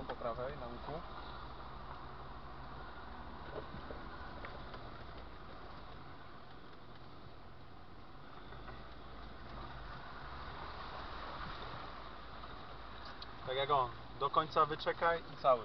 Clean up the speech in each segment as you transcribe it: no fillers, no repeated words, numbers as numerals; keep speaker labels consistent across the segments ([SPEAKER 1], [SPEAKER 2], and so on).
[SPEAKER 1] po prawej na łuku. Tak jak on, do końca wyczekaj i cały.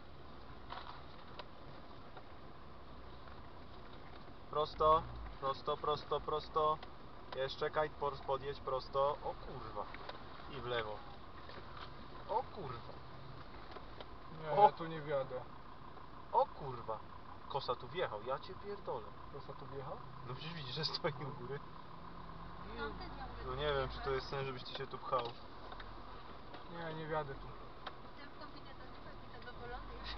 [SPEAKER 1] Prosto, prosto, prosto, prosto. Jeszcze czekaj, podjedź prosto. O kurwa. I w lewo. O kurwa.
[SPEAKER 2] Nie,
[SPEAKER 1] O.
[SPEAKER 2] ja tu nie wjadę.
[SPEAKER 1] O kurwa. Kosa tu wjechał, ja cię pierdolę.
[SPEAKER 2] Kosa tu wjechał?
[SPEAKER 1] No przecież widzisz, że stoi u góry.
[SPEAKER 3] Tamten miał
[SPEAKER 1] No nie wiem, czy to jest sens, żebyś ty się tu pchał.
[SPEAKER 2] Nie, nie wjadę tu.
[SPEAKER 3] Ten w kombinezonie pewnie zadowolony już.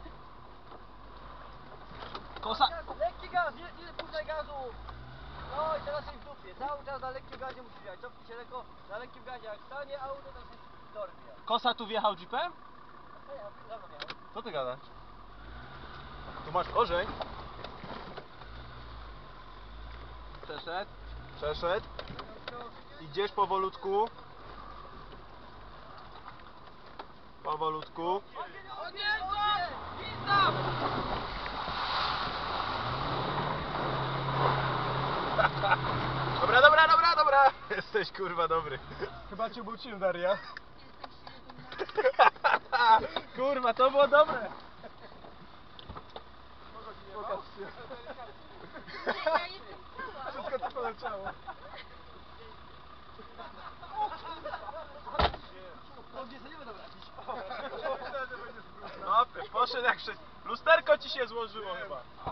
[SPEAKER 1] Kosa!
[SPEAKER 4] Lekki gaz, nie puszczaj gazu! No i teraz jest w dupie. Cały czas na lekkim gazie musisz jechać. Cofnij się lekko na lekkim gazie. Jak stanie auto, to się dorwie.
[SPEAKER 1] Kosa tu wjechał jeepem?
[SPEAKER 4] A ja za mną miałem.
[SPEAKER 1] Co ty gadasz? Tu masz korzeń. Przeszedł. Przeszedł. Idziesz powolutku. Powolutku. Dobra, dobra, dobra, dobra. Jesteś kurwa dobry.
[SPEAKER 2] Chyba cię bucił, Daria.
[SPEAKER 3] Jestem silny.
[SPEAKER 1] Kurwa, to było dobre.
[SPEAKER 2] Pokaż się.
[SPEAKER 3] Ja jestem cała.
[SPEAKER 2] Wszystko to poleciało.
[SPEAKER 4] No nie sobie dobra.
[SPEAKER 1] No, poszedł jak wszystko. Lusterko ci się złożyło chyba.